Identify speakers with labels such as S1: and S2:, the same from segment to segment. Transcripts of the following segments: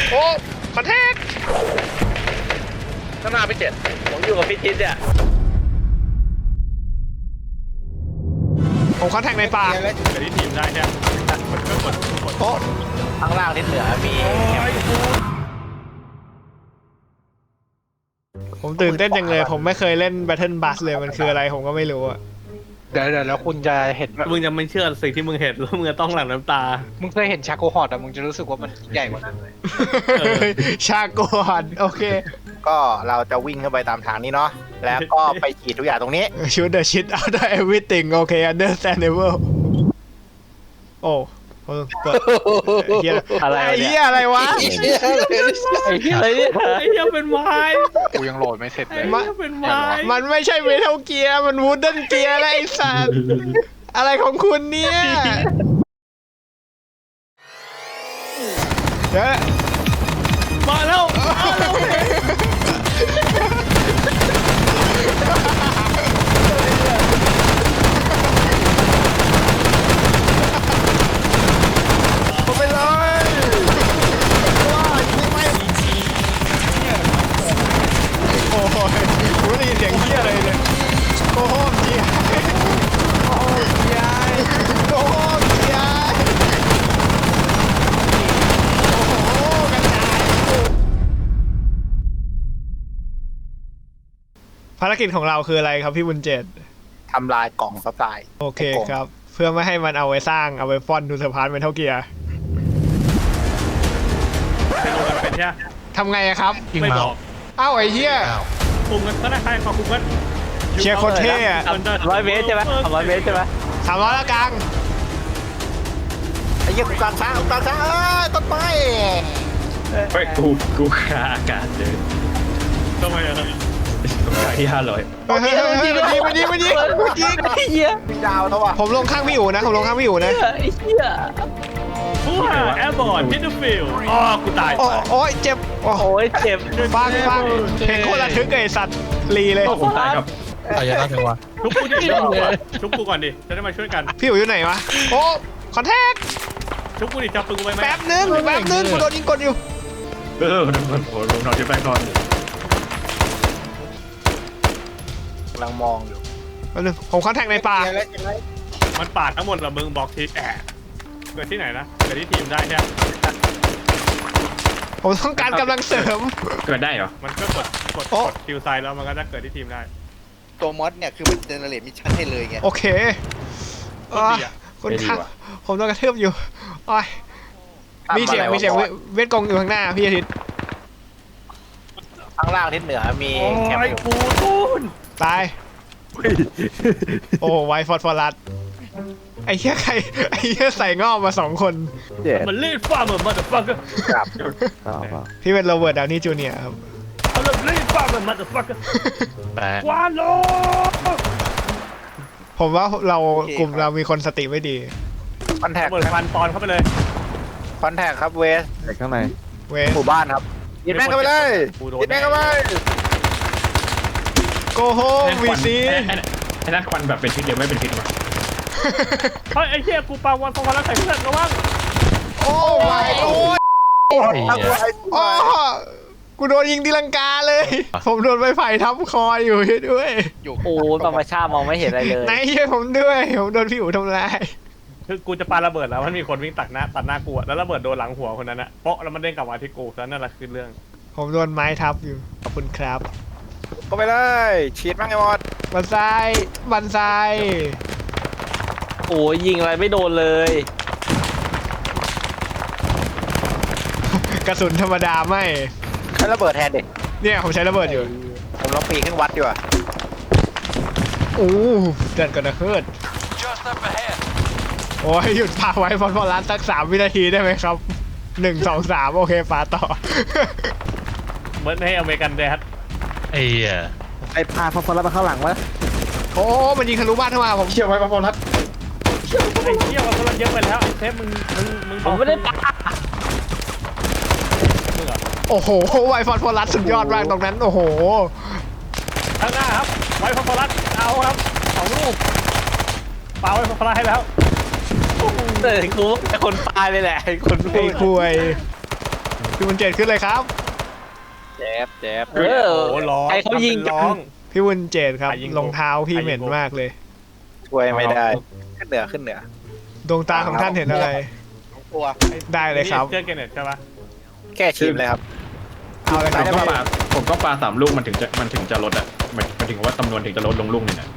S1: โอ้คอนแทค
S2: ข้างหน้าพี่เจ็ดผมอยู่กับพี่ทิศเนี่ย
S1: ผมคอนแทคในป่า
S3: เกิดที่ทีมได้เนี่ยมันก็กด
S1: โอ้
S2: ข้างล่างทิศเหนือมี
S1: ผมตื่นเต้นจังเลยผมไม่เคยเล่น Battle Bus เลยมันคืออะไรผมก็ไม่รู้อะ
S4: เดี๋ยวแล้วคุณจะเห็น
S3: มึงจะไม่เชื่อสิ่งที่มึงเห็นแล้วมึงจะต้องหลั่งน้ำตา
S4: มึงเคยเห็นชาโกฮอตอะมึงจะรู้สึกว่ามันใหญ่กว่านั้นเลย
S1: ชาโกอนโอเค
S5: ก็เราจะวิ่งขึ้นไปตามทางนี้เนาะแล้วก็ไปฉีดทุกอย่างตรงนี้
S1: shoot the shit out of everything โอเค understandable โอ้เปิดเฮีย
S2: อะไร
S1: ไอ้
S2: เนี่
S1: เฮี
S2: ย
S1: ยอะไรวะ
S2: ไอ้เหี้ยอะไรเนี่ย
S3: ไอ้เหี้ยเป็นไม้
S4: กูยังโหลดไม่เสร็จ
S3: ไอ้
S4: เลย
S3: เหี้ยเป็นไม้
S1: มันไม่ใช่เมทัลเกียร์มันวูดเดิลเกียร์แล้วไอ้สัตว์อะไรของคุณเนี่ยเดี๋ยว
S3: มาแล้ว
S5: ไปเลยว้ายิงไป
S1: โอ้ยกูได้ยินเสียงเฮียอะไรเนี่ยโอ้โหเฮียโอ้โหเฮียโอ้โหเฮียโอ้โหกระจายภารกิจของเราคืออะไรครับพี่บุญเจต
S5: ทำลายกล่องซัพพลาย
S1: โอเคครับ เพื่อไม่ให้มันเอาไว้สร้างเอาไว้ฟอนดูสะพานเมทัลเกียร์
S3: เป็นโรงกันเป็นใช่ไหม
S1: ทำไงอะครับ
S3: ไม่บอก
S1: เอ้าไอ้เหี้ย
S3: คุมกันก็ได้ใครขอคุมกัน
S1: เชียร์โคนเท่อะ
S2: 100 เมตรใช่ไหม100 เมตรใช่ไหม
S1: 300ละกลาง
S5: ไอ้เหี้ยกูกลางช้างต้นไม้
S6: ไปกูค่าอากาศเลย
S3: ทำไมอะ
S6: ตรงกลางที่500
S1: เฮ้ยมันยิง
S2: ไอ้เหี้ย
S5: มีดาวเท่าว่ะ
S1: ผมลงข้างพี่อู๋นะผมลงข้างพี่อู๋นะ
S2: ไอ้เหี้ย
S3: ผู้หาแอร์บอร์ดมิดเดิลฟิลด์อ๋อกูตาย
S1: โอ้ยเจ็บโอ้
S2: โอ้ยเจ็บ
S1: ฟังเพลงโคตรระทึกไอ้สัตว์ลีเลย
S6: ผมตายครับ
S3: ชุบกูดิชุบกูก่อนดิจะได้มาช่วยกัน
S1: พี่อู๋อยู่ไหนวะโอ้คอนแทค
S3: ชุบกูดิจับปืนกูไปไหม
S1: แป๊บนึงกูโดนยิงกดอยู่
S6: ลงนอนที่แบงก์ก่อน
S5: กำลังมองอยู่
S1: แป๊บนึงผมคอนแทคในป่า
S3: มันปาดทั้งหมดเหรอมึงบอกทีแอะเกิดที่ไหนนะเกิดที่ทีมได้ใช่ไหม
S1: ผมต้องการกำลังเสริม
S6: เกิดได้เหรอ
S3: มันก็กดคิวไซด์แล้วมันก็จะเกิดที่ทีมได้
S7: ตัวมอสเนี่ยคือมันเจเนเรตมิชชั่นให้เลยไง
S1: โอเค
S3: โคตรดีอะ
S1: คุณครับผมโดนกระทืบอยู่โอ้ยมีเสียงเวทกงอยู่ข้างหน้าพี่อาทิตย์
S5: ข้างล่างทิศเหนือมีแคมป์อยู่
S3: กูทูน
S1: ตาย โอ้ไวฟอสฟอรัสไอ้เหี้ยใครไอ้เหี้ยใส่งอกมา2 คน
S3: มันเล่นฟาร์มเหมือนมันเดอะฟักเกอร์
S5: ครับ
S1: พี่เป็นโรเบิร์ตดาวนี่จูเนียร์ครับ
S3: เอาเลยเล่นฟาร์มเหมือนมันเดอะฟักเกอร์
S6: แต่
S3: วานโล
S1: ผมว่าเรากลุ่มเรามีคนสติไม่ดี
S5: คอนแทค
S3: เปิดฟันปอนเข้าไปเลย
S5: คอนแทคครับเวส
S1: เวส
S5: หมู่บ้านครับยิงแม่งเข้าไปเลย
S3: กูโดน
S5: ยิงแม่งเข้าไป
S1: โกโฮวีซี
S6: ไอ้นั่นควันแบบเป็นพิษเดียวไม่เป็นพิษหรอ
S3: เฮ้ยไอ้เหี้ยกูปาวันฟองแล้วใส่เพื่อนระวัง
S1: โอ้ยโอ้ยโอ้กูโดนยิงตีลังกาเลย ผมโดนไม้ไผ่ทับคออยู่ด้วย
S2: โอ้ยธรรมชาติมองไม่เห็นอะไรเลย
S1: ไหนช่วยผมด้วยผมโดนพี่อู๋ทำร้าย
S3: คือกูจะปาระเบิดแล้วมันมีคนวิ่งตัดหน้ากูอะแล้วระเบิดโดนหลังหัวคนนั้นอะเปาะแล้วมันเด้งกลับมาที่กูแล้วนั่นแหละคือเรื่อง
S1: ผมโดนไม้ทับอยู่ขอบคุณครับ
S5: เข้าไปเลยฉีดแม่งไอ้มอส
S1: บันไซบันไซ
S2: โอ้ยยิงอะไรไม่โดนเลย
S1: กระสุนธรรมดาไม่
S5: ใช้ระเบิดแทนเด็ก
S1: เนี่ยผมใช้ระเบิดอยู่
S5: ผมลองปีนขึ้นวัดดีกว่า
S1: โอ้เดินกันนะเฮิร์ดโอ้ยหยุดพาไว้ฟอรัสสัก3 วินาทีได้ไหมครับ1 2 3โอเคปาต่อ
S3: เหมือนให้อเมริกันแดด
S7: ไอ้พาฟอสฟอรัสมาเข้าหลังวะ
S1: โอ้มันยิงทะลุบ้านเข้ามาผม
S6: เชี่ยวไว้พอรัด
S3: ไอ้เหี้ยมันกำลังเยอะไปแล้วไอ้เทปมึง
S2: ผมไม่ได้ปา
S1: โอ้โหไวฟอรัสสุดยอดมากตรงนั้นโอ้โห
S3: ข้างหน้าครับไว้ฟอรัสเอาครับ2 ลูกปาไว้ฟอรัสให้แล้ว
S2: แต่กูเป็นคนปาเลยแหละคน
S1: ไอ้คุยพี่บุญเจตขึ้นเลยครับ
S4: แจ๊บแจ๊บ
S2: เออ
S3: โอ้โหร้อง
S2: ใครเขายิง
S3: ทำเป็นร้อง
S1: พี่บุญเจตครับ
S3: ใครยิง
S1: รองเท้าพี่เหม็นมากเลย
S5: ช่วยไม่ได้ ขึ้นเหนือขึ้นเหนือ
S1: ดวงตาของท่านเห็นอะไร
S7: ตัว
S1: ได้เลยครับ
S3: เชื่อเกเน็ตใช่ปะ
S5: แก้ชิมเลยครับ
S1: เอาเลยค
S6: ผ
S1: รับ
S6: มก็ปา3 ลูกมันถึงจะลดอ่ะมันถึงว่าจำนวนถึงจะลดลงลูกหนึงอ่ะ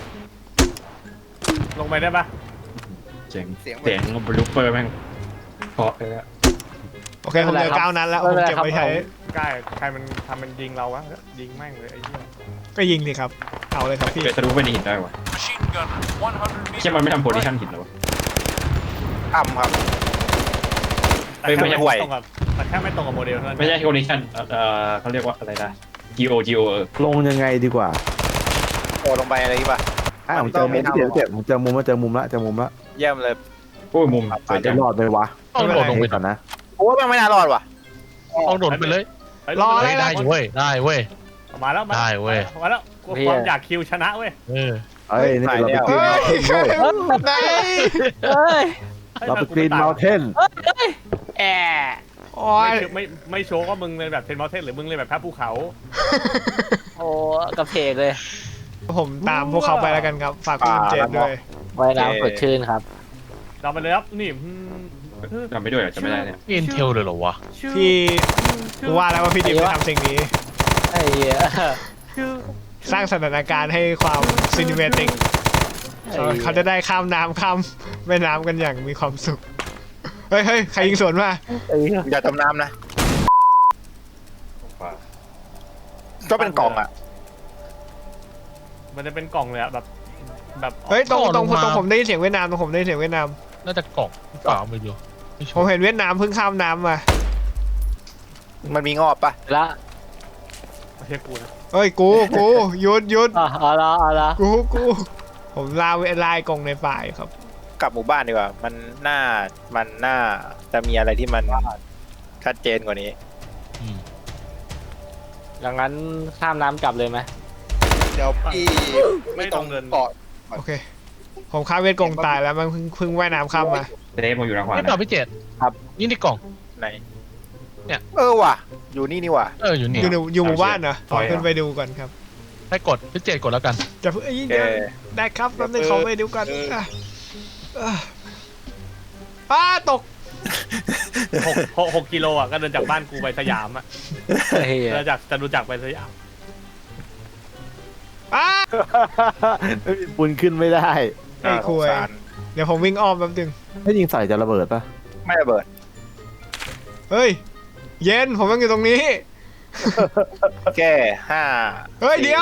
S3: ลงไปได้ปะ
S6: เจ๋งเสียงบลูเปอร์แม่งเพราะเลยอะ
S1: โอเคผมเหลือ9 นัดแล้วผมเก็บไว้ใช้
S3: ใกล้ใครมันทำมันยิงเราวะยิงแม่งเลยไอ้เหี้ย
S1: ก็ยิงสิครับ เอาเลยครับพี่
S6: เกิดทะลุไปในหินได้วะเชื่อมันไม่ทำโพซิชั่นหินหรอวะ
S5: อ้ำครับ
S3: แต่
S6: ไม่
S3: แค่
S6: ใช่
S3: ไม่ตรงกับแต่แค่ไม่ตรงกับโมเดลเท่านั้น
S6: ไม่ใช่โพซิชั่นเขาเรียกว่าอะไรนะ GO
S7: ลงยังไงดีกว่า
S5: โอ้ลงไปอะไรป่ะ
S7: ผมเจอมุมเจ็บผมเจอมุมละ
S5: เยี่ยมเลย
S6: โอ้ยมุมสวยจั
S7: จะ
S6: ง
S7: รอดไหมวะ
S8: เอาโดดลงไป
S7: ก่อนนะ
S5: โอ้ยมันไม่น่ารอดว่ะ
S8: เอาโดดไปเลย
S1: รอ
S8: เฮ้ยได้อยู่เว้ยได้เว้ย
S3: มาแล้ว
S8: ได้เว้ย
S3: มาแล้วความอยากคิวชนะเว้ย
S8: เออ
S7: เอ้ยนี่เราไปกรีน
S1: เฮ้ย
S7: เมาเทนเว้ย
S1: ไหน
S2: เอ้ย
S7: เราไปกรีนเมาเทน
S2: แอะ
S1: โอ้ย
S3: ไม่โชว์ว่ามึงเลยแบบเทนมอเทนหรือมึงเลยแบบแพ้ภูเขา
S2: โอ้กระเพกเลย
S1: ผมตามพวกเขาไปแล้วกันครับ ฝากพี่บุญเจตด้วย
S2: ว่ายน้ำสดชื่นครับ
S3: เราไปเลยครับนี่
S6: จำไม่ด้วยเหรอจำไม่ได้เนี่ย
S8: เอ็นเทลเลยเหรอวะ
S1: พี่กูว่าแล้วว่าพี่ดิมจะทำสิ่งนี้
S2: ไอ้เหี้ย
S1: สร้างสถานการณ์ให้ความซินิเมติกเขาจะได้ข้ามน้ำข้ามแม่น้ำกันอย่างมีความสุข เฮ้ยใครยิงสวนมา
S2: ไอ้เหี้ย
S5: อย่าจมน้ำนะ ก็เป็นกล่องอ่ะ
S3: มันจะเป็นกล่องเลยอะแบบ
S1: เฮ้ยตรงผมได้ยินเสียงเวียดนามตรงผมได้ยินเสียงเวียดนาม
S8: น่าจะกล่องเปล่าไม่รู้ไม่ชั
S1: ผม
S8: วร์
S1: เห็นเวียดนามเพิ่งข้ามน้ำมา
S5: มันมีงอบปะ
S2: ละ
S3: ไม่ใช่กูนะ
S1: เฮ้ยกูหยุด
S2: เอาละ
S1: กูผมลายกรงในป่าอยู่ครับ
S5: กลับหมู่บ้านดีกว่า มันน่าจะมีอะไรที่มันชัดเจนกว่านี้
S8: อืม
S2: ดังนั้นข้ามน้ำกลับเลยไหม
S7: เดี๋ยวพี่
S3: ไม่ต้องเดิน
S7: เกาะ
S1: โอเค ผมข้ามเวียดกงตายแล้วมันเพิ่งว่ายน้ำข้ามมา
S6: เดฟมันอยู่ทางขวา
S8: นี่
S6: นะ
S8: เปล่าพี่เจตครับนี่ในกล่อง
S5: ไหน
S8: เนี่ย
S5: เออว่ะ อยู่นี่ว่ะ
S8: เอออยู่นี่
S1: อยู่หมู่บ้านเหรอขอขึ้นไปดูก่อนครับ
S8: ให้กดพี่เจตกดแล้วกัน
S1: จะเพิ่งยิง
S5: เออ
S1: ได้ครับแป๊บนึงขอไปดูก่อนตก
S3: 6 กิโลอ่ะก็เดินจากบ้านกูไปสยามอ่ะ
S2: ไอ้เหี้ย
S3: เดินจากจะรู้จักไปสยาม
S7: ปุนขึ้นไม่ได้
S1: ไอ้คุย
S5: สงสาร
S1: เดี๋ยวผมวิ่งอ้อมแป๊บนึง
S7: ถ้ายิงใส่จะระเบิดปะ
S5: ไม่ระเบิด
S1: เฮ้ยเย็นผมยังอยู่ตรงนี้
S5: แค่ห้า
S1: เฮ้ยเดี๋ยว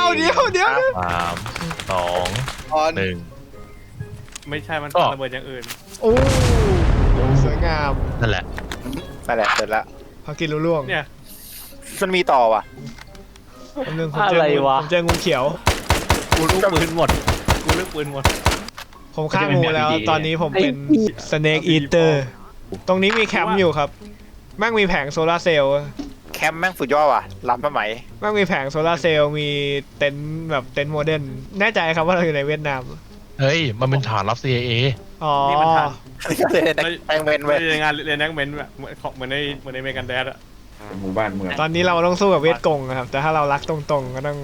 S8: 3 2 1
S3: ไม่ใช่มัน
S8: ก็
S3: ระเบิดอย่างอื่น
S1: โอ้สวยงาม
S8: นั่นแหละ
S5: นั่นแหละเสร็จละ
S1: พอกินรู้ล่วง
S3: เนี่ย
S5: มันมีต่อว่ะ
S1: แป๊บนึงผมเจองูเขียว
S3: กูลูกปืนหมดกูลูกปืนหมด
S1: ผมฆ่างูแล้ว ตอนนี้ผมเป็น Snake Eater ตรงนี้มีแคมป์อยู่ครับแม่งมีแผงโซลาร์เซลล์
S5: แคมป์แม่งสุดยอดว่ะล้ำสมัย
S1: แม่งมีแผงโซลาร์เซลล์มีเต็นท์แบบเต็นท์โมเดิร์นแน่ใจครับว่าเราอยู่ในเวียดนาม
S8: เฮ้ยมันเป็นฐานรับ CIA
S1: อ๋อ
S3: นี่มันทัน
S5: แองเวนเว้ย
S3: เรียนงานเรียนแอคเมนต์แบบเหมือนในเมกันแดดอะ
S6: หมู่บ้านเมือง
S1: ตอนนี้เราต้องสู้กับเวียดกงนะครับ แต่ถ้าเรารักตรงๆก็ต้อง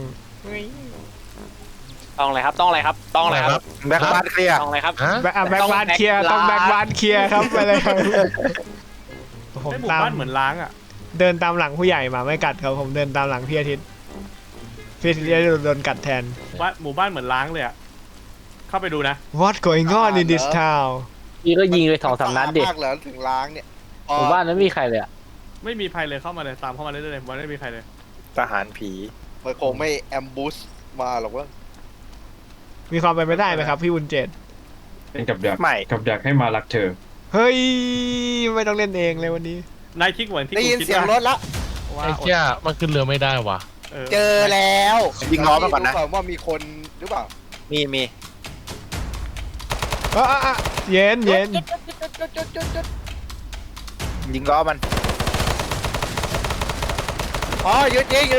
S2: ต้องอะไรครับต้องอะไรครับต้องอะไรครับ
S5: แบ็คบาร์เคลียร์
S2: ต้องอะไรครับ
S8: ฮะ
S1: แบ็กบานเคลียร์ต้องแบ็กบานเคลียร์ครับไปเลยครับผม
S3: ไอ้หมู่
S1: ตาม
S3: บ้านเหมือนล้างอ่ะ
S1: เดินตามหลังผู้ใหญ่มาไม่กัดครับผมเดินตามหลังพี่อาทิตย์พี่อาทิตย์จะโดนกัดแทน
S3: หมู่บ้านเหมือนล้างเลยอ่ะเข้าไปดูนะ
S1: What going on in this town
S2: พี่ก็ยิงไป2-3 นัดเด็ก
S7: มากเหรอถึงล้างเนี่ย
S2: หมู่บ้านนั้นไม่มีใครเลยอะ
S3: ไม่มีภัยเลยเข้ามาเลยตามเข้ามาเรื่อยๆมันไม่มีใครเลย
S5: ทหารผี
S7: มันคงไม่แอมบูสมาหรอกว่า
S1: มีความเป็นไปได้ไหมครับพี่บุญเจต
S6: เป็นกับดัก
S5: ไม่
S6: กับดักให้มารักเธอ
S1: เฮ้ยไม่ต้องเล่นเองเลยวันนี้
S3: นายคิดเหมือนที่
S7: ได้
S3: กู
S7: ยิน
S3: คิด
S7: เสียงรถละ
S3: ว่า
S8: ไอ้เจ้ามันขึ้นเรือไม่ได้ว่ะ
S7: เจอแล้ว
S5: ยิงล้อมาก่อนนะ
S7: ดูว่ามีคนหรือเปล่า
S5: มี
S1: เย็น
S7: จุด
S5: ยิงล้อมัน
S7: อ๋อหยุดยิง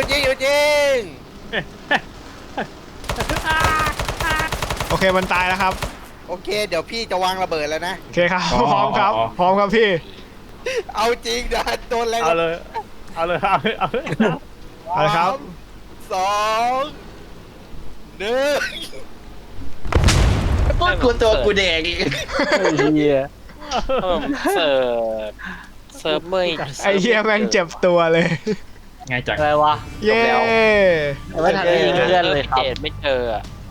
S1: โอเคมันตายแล้วครับ
S7: โอเค เดี๋ยวพี่จะวางระเบิดแล้วนะ
S1: โอเคครับพร้อมครับพี่
S7: เอาจริงนะโดนอะไร
S3: เอาเลยเอาเลยเอาเลยเอาเลย
S1: เอาละครับ
S7: สองหนึ่ง
S2: พูดกูตัวกูแดงอีกเฮียเสิร์ฟเมื่อย
S1: ไอ้เหี้ยแม่งเจ็บตัวเลย
S6: ง่ายจัง
S2: อะไรวะ
S1: เย้
S2: ไม่ทันได้ยิงเพื่อนเลยครับไม่เจอ